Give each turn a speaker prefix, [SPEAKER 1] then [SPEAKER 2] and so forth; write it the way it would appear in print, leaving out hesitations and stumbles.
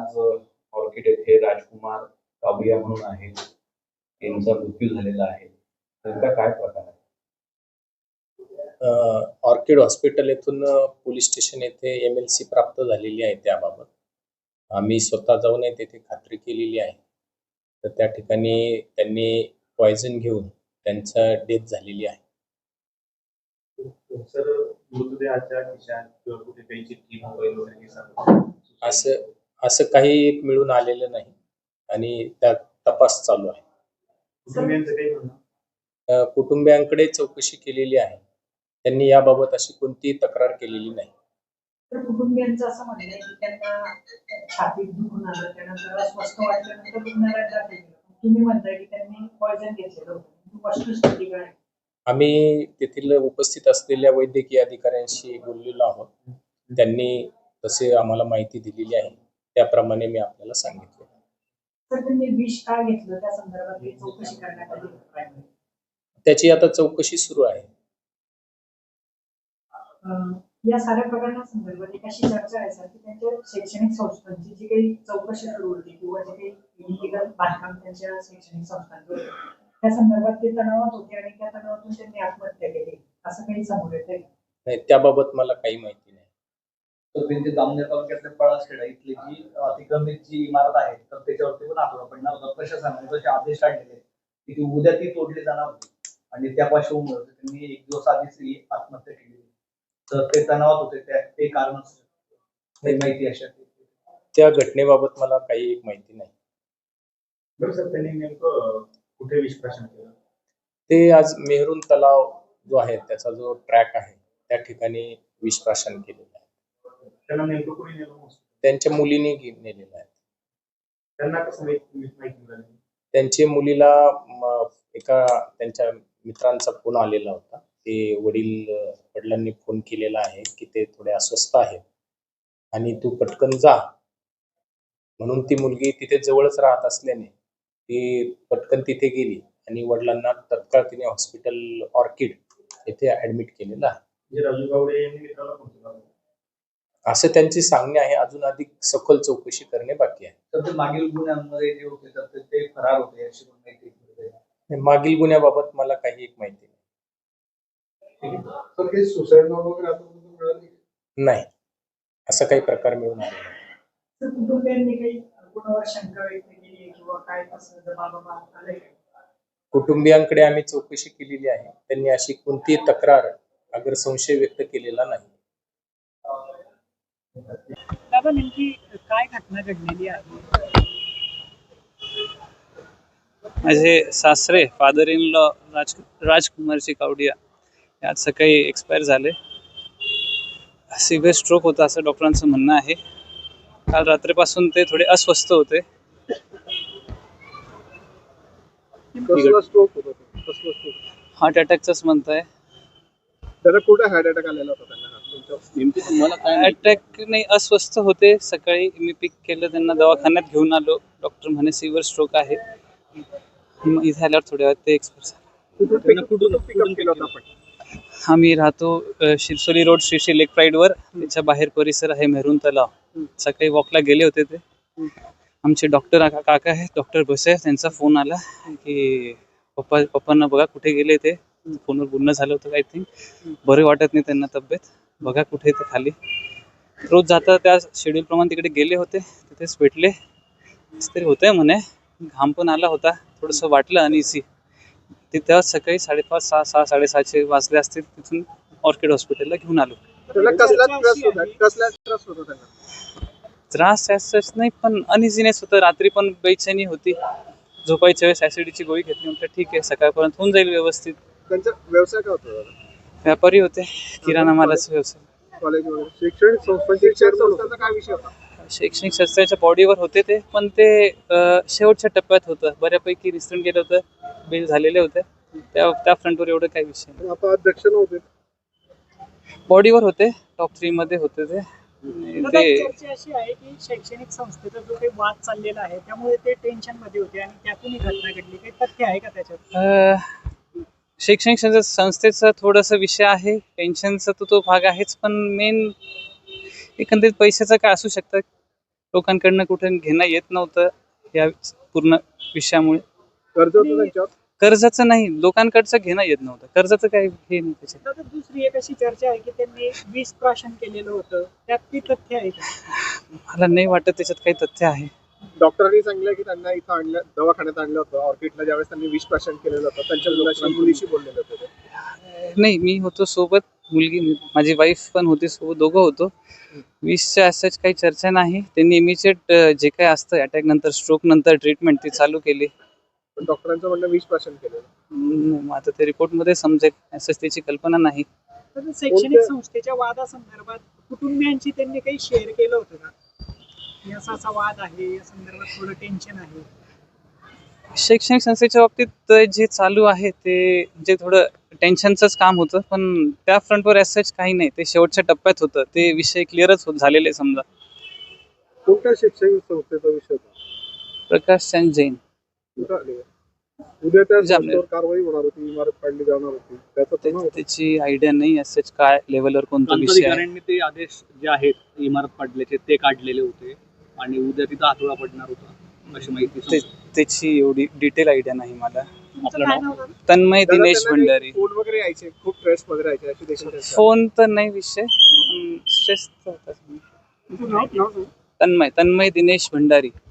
[SPEAKER 1] आज ऑर्किड येथे राजकुमार कावडिया म्हणून आहे, यांचा मृत्यू झालेला आहे. त्यांचा काय प्रकार आहे?
[SPEAKER 2] ऑर्किड हॉस्पिटल येथून पोलीस स्टेशन येथे MLC प्राप्त झालेली आहे. त्याबाबत आम्ही स्वतः जाऊन तेथे खात्री केलेली आहे. तर त्या ठिकाणी त्यांनी पॉयझन घेऊन त्यांचा डेथ झालेली आहे.
[SPEAKER 3] सर, मृतदेहाच्या खिशात किंवा कुठे काही चिठ्ठी, मोबाईल वगैरे
[SPEAKER 2] असं काही एक मिळून आलेलं नाही आणि त्यात तपास चालू आहे.
[SPEAKER 3] कुटुंबियांचं काही म्हणणं?
[SPEAKER 2] कुटुंबियांकडे चौकशी केलेली आहे. त्यांनी याबाबत अशी कोणतीही तक्रार केलेली नाही.
[SPEAKER 4] तर कुटुंबियांचं असं म्हणणं आहे की त्यांना छातीत दुखून आलं, त्यानंतर अस्वस्थ वाटल्यानंतर रुग्णालयात दाखल केलं. तुम्ही म्हणताय की त्यांनी पॉयझन घेतलेलं होतं, वस्तुस्थिती काय?
[SPEAKER 2] आम्ही तेथील उपस्थित असलेल्या वैद्यकीय अधिकाऱ्यांशी बोललेलो आहोत. त्यांनी तसे आम्हाला माहिती दिलेली आहे, त्याप्रमाणे मी आपल्याला सांगितले.
[SPEAKER 4] तर त्यांनी विष का घेतलं त्या संदर्भात चौकशी करण्यात आली?
[SPEAKER 2] त्याची आता चौकशी सुरू आहे.
[SPEAKER 4] या साऱ्या प्रकरणासंदर्भात एक अशी चर्चा आहे सर की त्यांच्या शैक्षणिक संस्थांची जी काही चौकशी सुरू होती किंवा जे काही इलिगल बांधकाम त्यांच्या शैक्षणिक संस्थांवर, त्या संदर्भात ते तणावात होते आणि त्या तणावातून त्यांनी आत्महत्या केली, असं काही समोर येतंय?
[SPEAKER 2] नाही, त्याबाबत मला काही माहिती नाही.
[SPEAKER 5] तर त्यांची जामनेर तालुक्यातल्या पळासखेडा इथली जी अतिक्रमित जी इमारत आहे, तर त्याच्यावरती पण आठवडा पडणार होता. प्रशासनाने तसे आदेश काढलेले की ती उद्या ती तोडली जाणार होती आणि त्या पार्श्वभूमीवर त्यांनी एक दिवस आधीच आत्महत्या केली. तर ते तणावात होते, ते कारण माहिती अशा
[SPEAKER 2] त्या घटनेबाबत मला काही एक माहिती नाही.
[SPEAKER 3] बरं सर, त्यांनी नेमकं कुठे विषप्राशन केलं?
[SPEAKER 2] ते आज मेहरून तलाव जो आहे त्याचा जो ट्रॅक आहे त्या ठिकाणी विषप्राशन केलेलं आहे.
[SPEAKER 3] त्यांना नेमकं कोणी नेलं?
[SPEAKER 2] त्यांच्या मुलीने नेलेलं आहे.
[SPEAKER 3] त्यांना कसं माहिती मिळाली?
[SPEAKER 2] त्यांच्या मुलीला एका त्यांच्या मित्रांचा फोन आलेला होता. ते वडिलांनी फोन केलेला आहे की ते थोडे अस्वस्थ आहेत आणि तू पटकन जा म्हणून. ती मुलगी तिथे जवळच राहत असल्याने ती पटकन तिथे गेली आणि वडिलांना तत्काळ तिने हॉस्पिटल ऑर्किड येथे ऍडमिट केलेलं आहे.
[SPEAKER 3] राजू गावडे यांनी मित्राला फोन केला
[SPEAKER 2] असं त्यांचे सांगणे आहे. अजून अधिक सखोल चौकशी करणे बाकी आहे.
[SPEAKER 5] तर मागील गुन्ह्यांमध्ये जे होते तर ते फरार होते अशी माहिती.
[SPEAKER 2] मागील गुन्ह्याबाबत मला काही एक माहिती नाही.
[SPEAKER 3] तर काही सुसाईड वगैरे
[SPEAKER 2] नाही, असा काही प्रकार मिळून आला नाही.
[SPEAKER 4] कुटुंबियांनी काही कोणावर शंका व्यक्त केली किंवा काय कसं जबाब आलंय?
[SPEAKER 2] कुटुंबियांकडे आम्ही चौकशी केलेली आहे. त्यांनी अशी कोणतीही तक्रार अगर संशय व्यक्त केलेला नाही.
[SPEAKER 4] नेमकी काय घटना घडलेली आहे?
[SPEAKER 6] माझे सासरे, father in law Rajkumarji Kawadia आज सकाळी एक्सपायर झाले. सिव्हिअर स्ट्रोक होता असं डॉक्टरांचं म्हणणं आहे. काल रात्रीपासून ते थोडे अस्वस्थ होते. हार्ट अटॅकचाच म्हणताय.
[SPEAKER 3] कुठे हार्ट अटॅक आलेला होता त्यांना?
[SPEAKER 6] अटॅक नाही, अस्वस्थ होते. सकाळी मी पिक केलं, त्यांना दवाखान्यात घेऊन आलो. डॉक्टर म्हणे सिव्हिअर स्ट्रोक आहे. इथे आल्यावर थोड्या वेळात ते एक्सपायर झाले. आम्ही राहतो शिरसोली रोड श्री लेक प्राईडवर. त्याच्या बाहेर परिसर आहे मेहरून तलाव. सकाळी वॉकला गेले होते ते. आमचे डॉक्टर काका आहेत, डॉक्टर भोसे, त्यांचा फोन आला की पप्पांना बघा कुठे गेले. ते फोनवर बोलणं झालं होतं. आय थिंक बरे वाटत नाही त्यांना तब्येत, बघा कुठे ते खाली. रोज जाता त्या शेड्यूल प्रमाणे तिकडे गेले होते, तिथेच भेटले. तरी होतंय म्हणे, घाम पण आला होता, थोडंसं वाटलं अनइझी. ते तेव्हा सकाळी 5:30, 6:30 वाजले असतील. तिथून ऑर्किड हॉस्पिटलला घेऊन आलो. त्रास असंच नाही, पण अनइझीनेस होतं. रात्री पण बेचैनी होती. झोपायच्या वेळेस ऍसिडीची गोळी घेतली. म्हटलं ठीक आहे, सकाळपर्यंत होऊन जाईल व्यवस्थित.
[SPEAKER 3] त्यांचा व्यवसाय काय होता?
[SPEAKER 6] व्यापारी होते, किराणा मालाचा व्यवसाय. शैक्षणिक संस्थेच्या बॉडीवर होते ते, पण ते शेवटच्या टप्प्यात होतं. बऱ्यापैकी रिस्टंट गेलं होतं, बिल झालेले होते. त्या फ्रंटवर एवढं काही विषय नाही. बॉडीवर होते, टॉप 3 मध्ये होते ते.
[SPEAKER 4] चर्चा अशी आहे की शैक्षणिक संस्थेचा जो काही वाद चाललेला आहे त्यामुळे ते टेन्शन मध्ये होते आणि त्यातून ही घटना घडली. काही तथ्य आहे का त्याच्यात?
[SPEAKER 6] शैक्षणिक संस्थेचा थोडासा विषय आहे, टेन्शनचा तो भाग आहेच, पण मेन एकंदरीत पैशाचं काय असू शकतं. लोकांकडनं कुठे घेणं येत नव्हतं या पूर्ण विषयामुळे.
[SPEAKER 7] कर्ज होतं त्यांच्यावर.
[SPEAKER 6] कर्जाचं नाही, लोकांकडचं घेणं येत नव्हतं. कर्जाचं काही हे नाही त्याच्यात.
[SPEAKER 4] तर दुसरी एक अशी चर्चा आहे की त्यांनी विष प्राशन केलेलं होतं, त्यात ती तथ्य आहे का?
[SPEAKER 6] मला नाही वाटत त्याच्यात काही तथ्य आहे.
[SPEAKER 7] डॉक्टरांनी सांगितलं की त्यांना इथं आणलं, दवाखान्यात आणलं होतं ऑर्किडला, ज्यावेळेस त्यांनी विष प्राशन केलेलं होतं त्यांच्या मुलीशी बोललेलं होतं ते.
[SPEAKER 6] नाही, मी होतो सोबत, मुलगी माझी वाईफ पण होती सोबत, दोघं होतो. विषच्या असंच काही चर्चा नाही. त्यांनी इमिजिएट जे काही असतं अटॅक नंतर, स्ट्रोक नंतर ट्रीटमेंट ती चालू केली.
[SPEAKER 7] पण डॉक्टरांचं म्हणणं विष प्राशन केलेलं.
[SPEAKER 6] मग आता ते रिपोर्टमध्ये समजेल, असंच त्याची कल्पना नाही.
[SPEAKER 4] तर शैक्षणिक संस्थेच्या वादासंदर्भात कुटुंबियांची त्यांनी काही शेअर केलं होतं का? की असा असा वाद आहे, या संदर्भात थोडं टेन्शन आहे.
[SPEAKER 6] शैक्षणिक संस्थेच्या बाबतीत जे चालू आहे ते जे थोडं टेन्शनचंच काम होतं, पण त्या फ्रंटवर असंच काही नाही. ते शेवटच्या टप्प्यात होतं, ते विषय क्लिअरच झालेले समजा.
[SPEAKER 7] कोणत्या शैक्षणिक संस्थेचा विषय होता?
[SPEAKER 6] प्रकाश चंद जैन.
[SPEAKER 7] कुठं आले? उद्या त्या
[SPEAKER 6] जामनेर.
[SPEAKER 7] संस्थेवर कारवाई होणार होती, इमारत काढली जाणार होती, त्याचा पुन्हा होता.
[SPEAKER 6] त्याची आयडिया नाही असंच काय लेवलवर कोणता विषय आहे.
[SPEAKER 5] प्रांताधिकाऱ्यांनी ते आदेश जे आहेत इमारत पाडल्याचे ते काढलेले होते आणि उद्या तिथं हातोडा पडणार होता अशी माहिती
[SPEAKER 6] ते-
[SPEAKER 5] समजते.
[SPEAKER 6] त्याची एवढी डिटेल आयडिया नाही मला.
[SPEAKER 4] तुमचं
[SPEAKER 5] आपलं
[SPEAKER 4] काय
[SPEAKER 5] नाव?
[SPEAKER 4] नाव दादा?
[SPEAKER 6] तन्मय
[SPEAKER 7] दादा,
[SPEAKER 6] दिनेश
[SPEAKER 7] त्यांना
[SPEAKER 6] भंडारी.
[SPEAKER 7] काही फोन वगैरे यायचे, खूप स्ट्रेस मध्ये राहायचे अशी देखील चर्चा.
[SPEAKER 6] फोन तर नाही विषय, स्ट्रेस.
[SPEAKER 4] तुमचं नाव सांगा.
[SPEAKER 6] तन्मय दिनेश भंडारी.